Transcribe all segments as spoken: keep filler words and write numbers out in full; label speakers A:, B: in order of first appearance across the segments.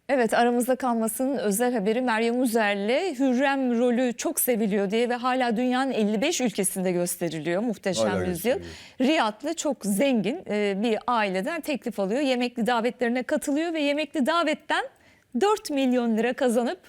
A: Evet, aramızda kalmasının özel haberi Meryem Uzer'le Hürrem rolü çok seviliyor diye ve hala dünyanın elli beş ülkesinde gösteriliyor. Muhteşem
B: Hala
A: Yüzyıl.
B: gösteriliyor.
A: Riyadlı çok zengin e, bir aileden teklif alıyor. Yemekli davetlerine katılıyor ve yemekli davetten dört milyon lira kazanıp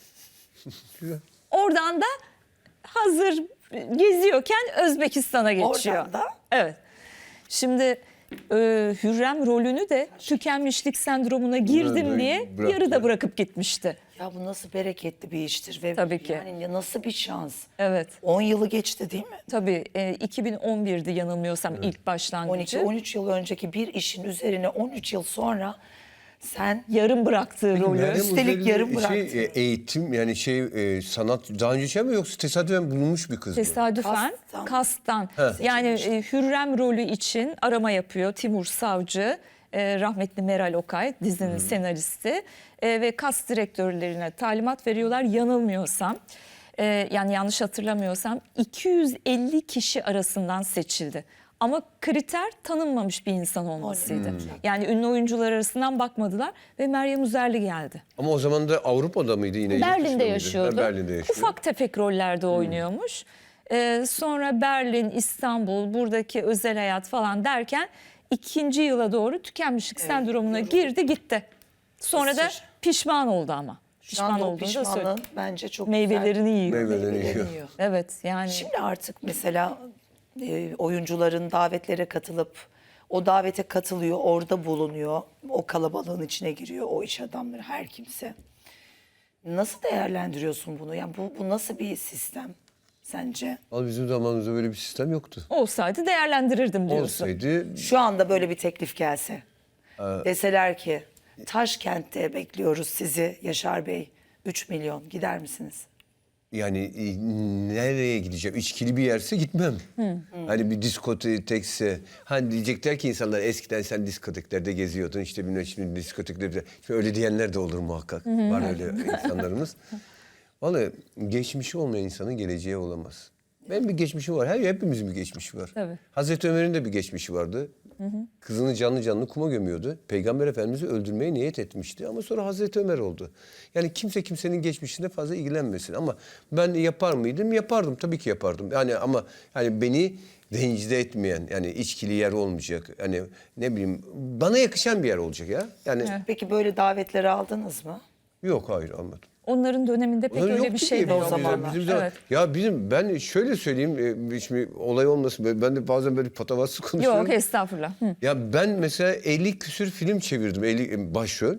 A: oradan da hazır geziyorken Özbekistan'a geçiyor.
C: Oradan da?
A: Evet. Şimdi e, Hürrem rolünü de tükenmişlik sendromuna girdim
B: Evet,
A: diye
B: bıraktı.
A: yarıda bırakıp gitmişti.
C: Ya bu nasıl bereketli bir iştir ve
A: Tabii ki.
C: yani nasıl bir şans.
A: Evet.
C: on yılı geçti değil mi?
A: Tabii e, iki bin on bir'di yanılmıyorsam ilk
C: on iki
A: başlangıcı.
C: on üç yıl önceki bir işin üzerine on üç yıl sonra sen
A: Yarım bıraktığı rolü.
B: Meryem
C: Üstelik
B: Uzer'in
C: yarım
B: şey,
C: bıraktı.
B: e, eğitim yani şey e, sanat daha önce şey mi yoksa tesadüfen bulunmuş bir kız mı?
A: Tesadüfen
C: Kastan.
A: kastan.
B: He.
A: Yani e, Hürrem rolü için arama yapıyor Timur Savcı, e, rahmetli Meral Okay dizinin senaristi e, ve kas direktörlerine talimat veriyorlar yanılmıyorsam. e, yani yanlış hatırlamıyorsam iki yüz elli kişi arasından seçildi. Ama kriter tanınmamış bir insan olmasıydı. Yani ünlü oyuncular arasından bakmadılar ve Meryem Uzerli geldi.
B: Ama o zaman da Avrupa'da mıydı yine? yurt dışında
A: Berlin'de
B: mıydı?
A: yaşıyordu.
B: Ha, Berlin'de yaşıyor.
A: Ufak tefek rollerde oynuyormuş. Ee, sonra Berlin, İstanbul, buradaki özel hayat falan derken ikinci yıla doğru tükenmişlik sendromuna girdi gitti. Sonra da
C: Isır.
A: pişman oldu ama.
C: şu anda o
A: olduğunu da söyledi.
C: pişmanlığın bence çok
A: Meyvelerini yiyor.
B: Meyve-
C: güzel
B: Meyvelerini yiyor.
C: yiyor.
A: Evet yani.
C: Şimdi artık mesela e, oyuncuların davetlere katılıp o davete katılıyor, orada bulunuyor, o kalabalığın içine giriyor, o iş adamları her kimse. Nasıl değerlendiriyorsun bunu? Yani bu, bu nasıl bir sistem sence?
B: Vallahi bizim zamanımızda böyle bir sistem yoktu.
A: Olsaydı değerlendirirdim diyorsun.
B: Olsaydı
C: Şu anda böyle bir teklif gelse, deseler ki Taşkent'te bekliyoruz sizi Yaşar Bey, üç milyon gider misiniz?
B: yani e, nereye gideceğim? İçkili bir yerse gitmem. Hani bir diskotekse. Hani diyecekler ki insanlar eskiden sen diskoteklerde geziyordun işte bilmem şimdi diskoteklerde. Şimdi öyle diyenler de olur muhakkak. Var öyle insanlarımız. Vallahi geçmişi olmayan insanın geleceği olamaz. Benim bir geçmişim var. Her hepimizin bir geçmişi var.
A: Tabii.
B: Hazreti Ömer'in de bir geçmişi vardı. Kızını canlı canlı kuma gömüyordu. Peygamber Efendimiz'i öldürmeye niyet etmişti ama sonra Hazreti Ömer oldu. Yani kimse kimsenin geçmişine fazla ilgilenmesin ama ben yapar mıydım? Yapardım tabii ki yapardım. Yani ama yani beni rencide etmeyen yani içkili yer olmayacak. Yani ne bileyim bana yakışan bir yer olacak ya. Yani
C: Peki böyle davetleri aldınız mı?
B: yok hayır almadım.
A: Onların döneminde pek
B: Onların
A: öyle
B: yoktu
A: bir şey
B: ki
A: de
C: o
A: yok.
B: bizim-
C: zamanlar.
B: Bizim zaman-
A: Evet.
B: Ya bizim ben şöyle söyleyeyim e, şimdi olay olmasın ben- ben de bazen böyle patavatsız konuşuyorum.
A: Yok estağfurullah. Hı.
B: Ya ben mesela elli küsür film çevirdim elli başrol.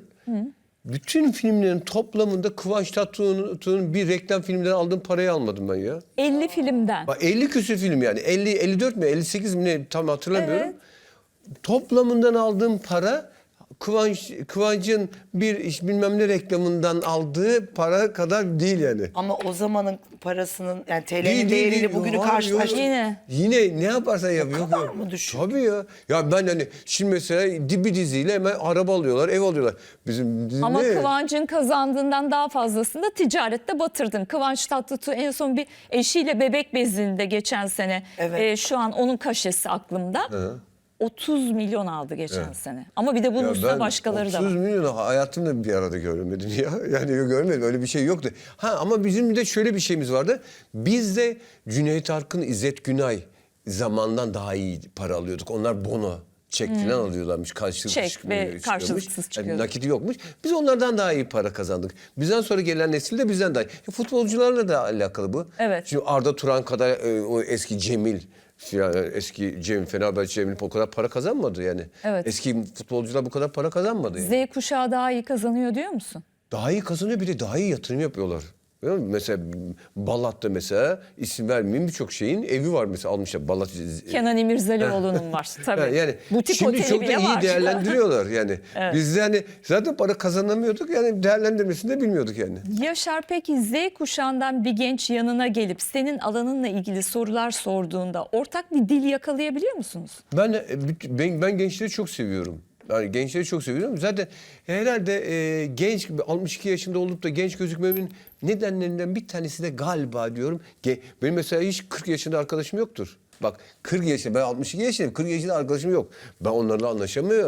B: Bütün filmlerin toplamında Kıvanç Tatlıtuğ'un bir reklam filminden aldığım parayı almadım ben ya.
A: elli filmden.
B: Bak elli küsür film yani elli elli dört mi elli sekiz mi ne tam hatırlamıyorum.
A: Evet.
B: Toplamından aldığım para Kıvanç Kıvanç'ın bir iş bilmem ne reklamından aldığı para kadar değil yani.
C: Ama o zamanın parasının yani T
B: Değil,
C: L'nin
B: değil,
C: değeriyle
B: değil.
C: bugünü
B: Yok,
C: karşılaştırdık.
B: yok.
A: Yine.
B: Yine ne yaparsan yap. Yok,
C: kadar
B: yok.
C: mı düşük?
B: Tabii ya. Ya ben hani şimdi mesela dibi diziyle hemen araba alıyorlar, ev alıyorlar. Bizim dizi
A: Ama
B: ne?
A: Kıvanç'ın kazandığından daha fazlasını da ticarette batırdın. Kıvanç Tatlıtuğ en son bir eşiyle bebek bezinde geçen sene.
C: Evet.
A: e, şu an onun kaşesi aklımda. otuz milyon aldı geçen sene. Ama bir de bunun
B: Ya
A: üstüne
B: ben
A: başkaları da
B: otuz
A: var.
B: milyonu hayatımda bir arada görmedim ya. Yani görmedim öyle bir şey yoktu. Ha ama bizim de şöyle bir şeyimiz vardı. Biz de Cüneyt Arkın, İzzet Günay zamandan daha iyi para alıyorduk. Onlar bono. Çek falan alıyorlarmış. Karşılıksız
A: Çek
B: çıkmıyor-
A: ve
B: çıkıyormuş.
A: karşılıksız
B: Yani
A: çıkıyordu.
B: nakiti yokmuş. Biz onlardan daha iyi para kazandık. Bizden sonra gelen nesil de bizden daha iyi. Ya futbolcularla da alakalı bu.
A: Evet.
B: Şimdi Arda Turan kadar e, o eski Cemil yani eski Cemil Fenerbahçe Cemil o kadar para kazanmadı yani.
A: Evet.
B: Eski futbolcular bu kadar para kazanmadı yani.
A: Z kuşağı daha iyi kazanıyor diyor musun?
B: Daha iyi kazanıyor bir de daha iyi yatırım yapıyorlar. Biliyor musun? Mesela Balat'ta mesela isim vermeyeyim birçok şeyin evi var mesela almışlar Balat.
A: Kenan İmirzalıoğlu'nun var tabii.
B: Yani, yani
A: Butik
B: şimdi
A: oteli
B: çok da
A: bile
B: iyi
A: var.
B: değerlendiriyorlar yani. Biz de hani zaten para kazanamıyorduk yani değerlendirmesini de bilmiyorduk yani.
A: Yaşar peki Z kuşağından bir genç yanına gelip senin alanınla ilgili sorular sorduğunda ortak bir dil yakalayabiliyor musunuz?
B: Ben ben, ben gençleri çok seviyorum. Yani gençleri çok seviyorum. Zaten herhalde e, genç altmış iki yaşında olup da genç gözükmemin nedenlerinden bir tanesi de galiba diyorum. Ge, benim mesela hiç kırk yaşında arkadaşım yoktur. Bak kırk yaşında ben altmış iki yaşındayım. kırk yaşında arkadaşım yok. Ben onlarla anlaşamıyorum.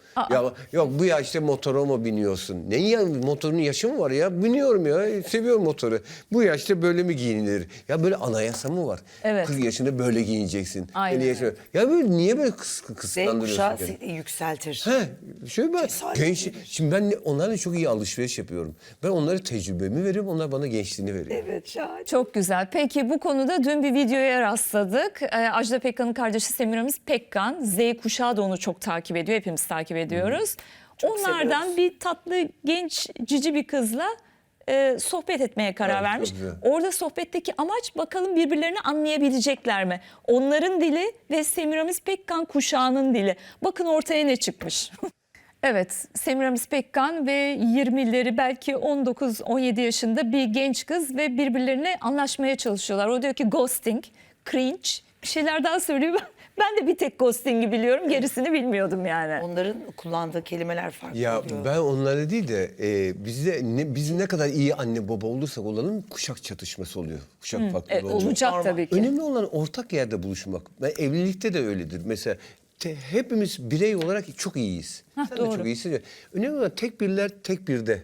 B: Ya yok bu yaşta motora mı biniyorsun? Ne ya motorun yaşı mı var ya? Biniyorum ya. Seviyorum motoru. Bu yaşta böyle mi giyinilir? Ya böyle anayasa mı var?
A: Evet.
B: kırk yaşında böyle giyineceksin.
A: Aynen
B: elli yaşında. Ya böyle niye böyle kıs
C: Z
B: kıskandırıyorsun
C: kuşağı
B: kendini?
C: seni yükseltir.
B: He, şöyle ben
C: Cesaret
B: genç,
C: verir.
B: şimdi ben onlarla çok iyi alışveriş yapıyorum. Ben onlara tecrübemi veriyorum, onlar bana gençliğini veriyor.
C: Evet şahane.
A: Çok güzel. Peki bu konuda dün bir videoya rastladık. Ee, Ajda Pekkan'ın kardeşi Semiramis Pekkan. Z kuşağı da onu çok takip ediyor. Hepimiz takip ediyoruz. Onlardan
C: seviyoruz.
A: bir tatlı genç cici bir kızla e, sohbet etmeye karar
B: Evet, çok
A: vermiş.
B: güzel.
A: Orada sohbetteki amaç bakalım birbirlerini anlayabilecekler mi? Onların dili ve Semiramis Pekkan kuşağının dili. Bakın ortaya ne çıkmış. Evet, Semiramis Pekkan ve yirmileri belki on dokuz on yedi yaşında bir genç kız ve birbirlerine anlaşmaya çalışıyorlar. O diyor ki ghosting, cringe bir şeyler daha söylüyor. Ben de bir tek ghosting'i biliyorum, gerisini bilmiyordum yani.
C: Onların kullandığı kelimeler farklı
B: Ya
C: oluyor.
B: ben onlara değil de e, bizde ne, biz ne kadar iyi anne baba olursak olalım kuşak çatışması oluyor. Kuşak farklılığı
A: Evet,
B: oluyor.
A: olacak
C: Normal.
A: tabii ki.
B: Önemli olan ortak yerde buluşmak. Ben evlilikte de öyledir. Mesela te- hepimiz birey olarak çok iyiyiz.
A: Hah,
B: Sen
A: doğru.
B: de çok iyisin. ya. Önemli olan tek birler tek birde.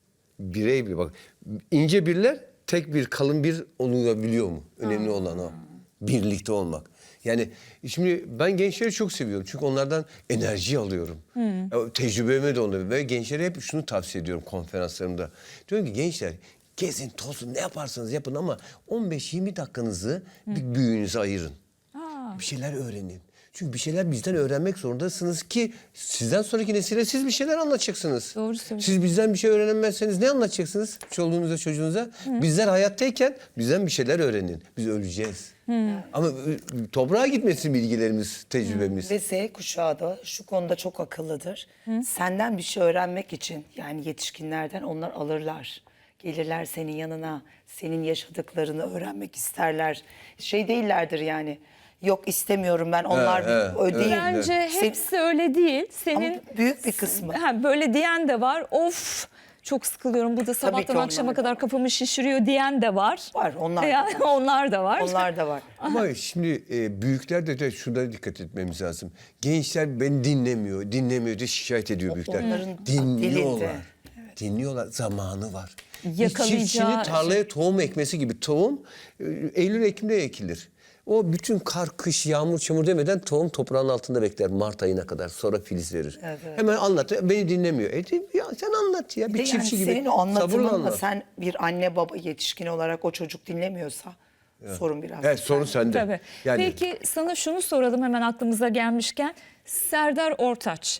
B: Birey bir bak. İnce birler tek bir kalın bir olabiliyor mu? Önemli olan o. Birlikte olmak. Yani şimdi ben gençleri çok seviyorum. Çünkü onlardan enerji alıyorum. Ya, tecrübeme de oluyor. Ve gençlere hep şunu tavsiye ediyorum konferanslarımda. Diyorum ki gençler gezin, tozun, ne yaparsanız yapın ama on beş yirmi dakikanızı bir büyüğünüze ayırın. Bir şeyler öğrenin. Çünkü bir şeyler bizden öğrenmek zorundasınız ki sizden sonraki nesile siz bir şeyler anlatacaksınız.
A: Doğru söylüyorsun.
B: Siz bizden bir şey öğrenemezseniz ne anlatacaksınız çoluğunuza çocuğunuza? Bizler hayattayken bizden bir şeyler öğrenin. Biz öleceğiz. Ama e, toprağa gitmesin bilgilerimiz, tecrübemiz.
C: Ve Z kuşağı da şu konuda çok akıllıdır. Senden bir şey öğrenmek için yani yetişkinlerden onlar alırlar. Gelirler senin yanına, senin yaşadıklarını öğrenmek isterler. Şey değillerdir yani. Yok istemiyorum ben onlar
B: He,
C: bir-
B: he,
C: o değil.
A: Bence
C: Sen-
A: hepsi öyle değil. Senin
C: Ama büyük bir kısmı.
A: Ha, böyle diyen de var. Of çok sıkılıyorum. Bu da
C: ki
A: sabahtan
C: onlar
A: akşama
C: da
A: kadar kafamı şişiriyor diyen de var.
C: Var, onlar da
A: Yani
C: var.
A: onlar da var.
C: Onlar da var.
B: Ama şimdi e, büyükler de, de şuna dikkat etmemiz lazım. Gençler beni dinlemiyor, dinlemiyor diye şikayet ediyor büyükler.
C: onların
B: Dinliyorlar.
C: dilinde.
B: Dinliyorlar. Zamanı var. Bir
A: Yakalayacağı
B: çiftçinin
A: şey.
B: tarlaya tohum ekmesi gibi tohum e, Eylül-Ekim'de ekilir. O bütün kar, kış, yağmur, çamur demeden tohum toprağın altında bekler Mart ayına kadar. Sonra filiz verir.
C: Evet, evet.
B: Hemen anlat. Beni dinlemiyor. E, ya sen anlat ya. Bir,
C: Bir de yani
B: çiftçi gibi.
C: senin o
B: sabırla
C: anlatımınla
B: anlat.
C: sen bir anne baba yetişkin olarak o çocuk dinlemiyorsa sorun biraz.
B: Evet, sorun sende.
A: Tabii.
B: Yani,
A: Peki sana şunu soralım hemen aklımıza gelmişken. Serdar Ortaç.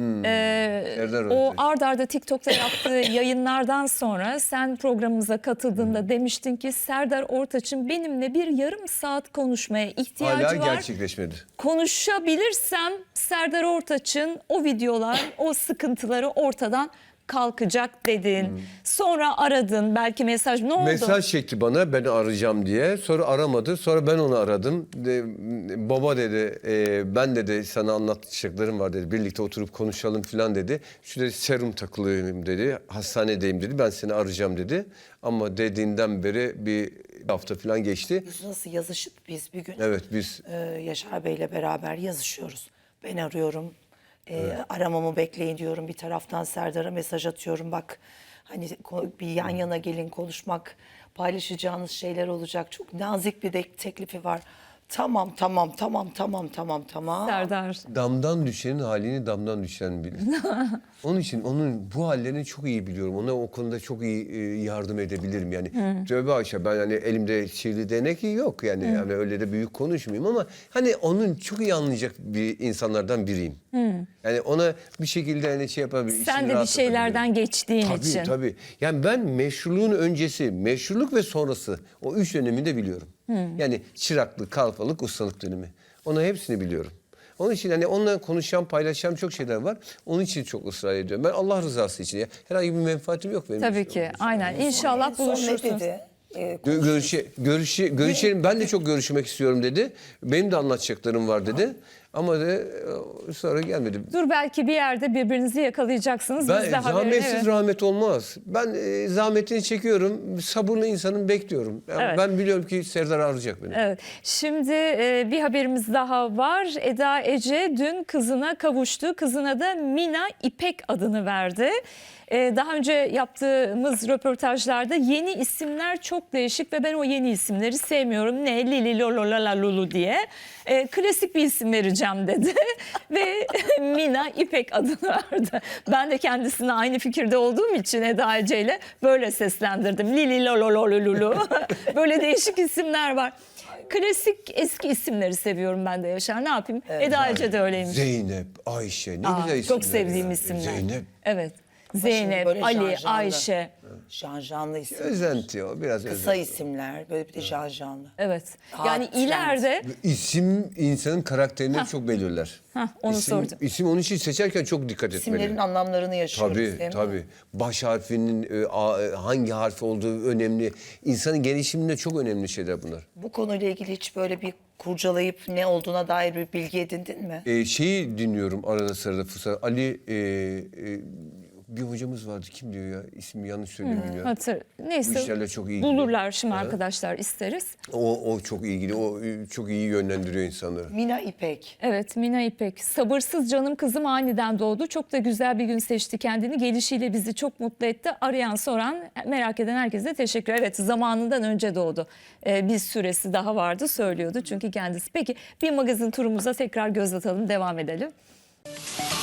A: Ee,
B: Serdar
A: o
B: Ortaç.
A: ard arda TikTok'ta yaptığı yayınlardan sonra sen programımıza katıldığında demiştin ki Serdar Ortaç'ın benimle bir yarım saat konuşmaya ihtiyacı
B: hala
A: var.
B: gerçekleşmedi.
A: Konuşabilirsem Serdar Ortaç'ın o videolar, o sıkıntıları ortadan kalkacak dedin. Sonra aradın belki mesaj ne oldu?
B: Mesaj çekti bana ben arayacağım diye. Sonra aramadı. Sonra ben onu aradım. De, baba dedi e, ben dedi sana anlatacaklarım var dedi. Birlikte oturup konuşalım falan dedi. Şu dedi serum takılıyım dedi. Hastanedeyim dedi. Ben seni arayacağım dedi. Ama dediğinden beri bir hafta falan geçti.
C: Biz nasıl yazışıp biz bir gün
B: Evet biz
C: e, Yaşar Bey'le beraber yazışıyoruz. Ben arıyorum. E, Aramamı bekleyin diyorum. Bir taraftan Serdar'a mesaj atıyorum. Bak hani ko- bir yan yana gelin konuşmak, paylaşacağınız şeyler olacak. Çok nazik bir de teklifi var. Tamam tamam tamam tamam tamam tamam.
A: Serdar.
B: damdan düşenin halini damdan düşen bilir. Onun için onun bu hallerini çok iyi biliyorum. Ona o konuda çok iyi e, yardım edebilirim yani. Tövbe aşağı ben hani elimde sihirli değnek yok yani. Yani öyle de büyük konuşmayayım ama hani onun çok iyi anlayacak bir insanlardan biriyim. Yani ona bir şekilde hani şey yapabilirim.
A: Sen
B: içini
A: de bir
B: rahatlatabilirim.
A: şeylerden geçtiğin
B: Tabii
A: için.
B: tabii. Yani ben meşruluğun öncesi, meşruluk ve sonrası o üç dönemi de biliyorum. Yani çıraklık, kalfalık, ustalık dönemi. Onu hepsini biliyorum. Onun için hani onunla konuşacağım, paylaşacağım çok şeyler var. Onun için çok ısrar ediyorum. Ben Allah rızası için ya. Herhangi bir menfaatim yok benim.
A: Tabii
B: için.
A: ki aynen İnşallah
C: Son ne
A: buluşursunuz.
C: dedi? E,
B: Gö- görüşe, görüşe, görüşelim. Ben de çok görüşmek istiyorum dedi. Benim de anlatacaklarım var dedi. Ama de e, sonra gelmedi.
A: Dur belki bir yerde birbirinizi yakalayacaksınız.
B: Ben
A: Biz de haberini-
B: zahmetsiz
A: evet.
B: rahmet olmaz. Ben e, zahmetini çekiyorum. Sabırlı insanım, bekliyorum. Yani
A: Evet.
B: Ben biliyorum ki Serdar arayacak beni.
A: Evet. Şimdi e, bir haberimiz daha var. Eda Ece dün kızına kavuştu. Kızına da Mina İpek adını verdi. E, daha önce yaptığımız röportajlarda yeni isimler çok değişik ve ben o yeni isimleri sevmiyorum. Ne Lili Lolo Lala Lulu diye. E, klasik bir isim vereceğim dedi. Ve Mina İpek adını verdi. Ben de kendisine aynı fikirde olduğum için Eda Ece ile böyle seslendirdim. Lili Lolo Lolo Lulu. Böyle değişik isimler var. Klasik eski isimleri seviyorum ben de Yaşar. Ne yapayım? Eda Ece de öyleymiş.
B: Zeynep, Ayşe ne
A: Aa,
B: güzel isimler.
A: çok sevdiğim
B: ya.
A: isimler.
B: Zeynep.
A: Evet.
C: Ama şimdi
A: Zeynep,
C: böyle
A: Ali,
C: janjanlı.
A: Ayşe.
C: Janjanlı isimler.
B: Özenti o, biraz
C: Kısa
B: özenti.
C: isimler. Böyle bir de janjanlı.
A: Evet.
C: Aa,
A: Yani
C: trend.
A: ileride
B: İsim insanın karakterini çok belirler.
A: Hah, onu
B: isim,
A: sordum.
B: İsim onun için seçerken çok dikkat
C: İsimlerin
B: etmeli.
C: anlamlarını yaşıyoruz
B: Tabii
C: değil mi?
B: tabii. Baş harfinin e, a- e, hangi harfi olduğu önemli. İnsanın gelişiminde çok önemli şeyler bunlar.
C: Bu konuyla ilgili hiç böyle bir kurcalayıp ne olduğuna dair bir bilgi edindin mi?
B: E, şeyi dinliyorum arada sırada fırsat. Ali e, e, bir hocamız vardı, kim diyor ya, ismi yanlış söylüyorum ya.
A: hatır.
B: Bu
A: Neyse
B: işlerle çok ilgili.
A: bulurlar şimdi arkadaşlar isteriz.
B: O, o çok ilgili, o e, çok iyi yönlendiriyor insanları.
C: Mina İpek.
A: Evet Mina İpek. Sabırsız canım kızım aniden doğdu. Çok da güzel bir gün seçti kendini. Gelişiyle bizi çok mutlu etti. Arayan soran merak eden herkese teşekkür. Evet zamanından önce doğdu. Ee, bir süresi daha vardı söylüyordu çünkü kendisi. Peki bir magazin turumuza tekrar göz atalım devam edelim.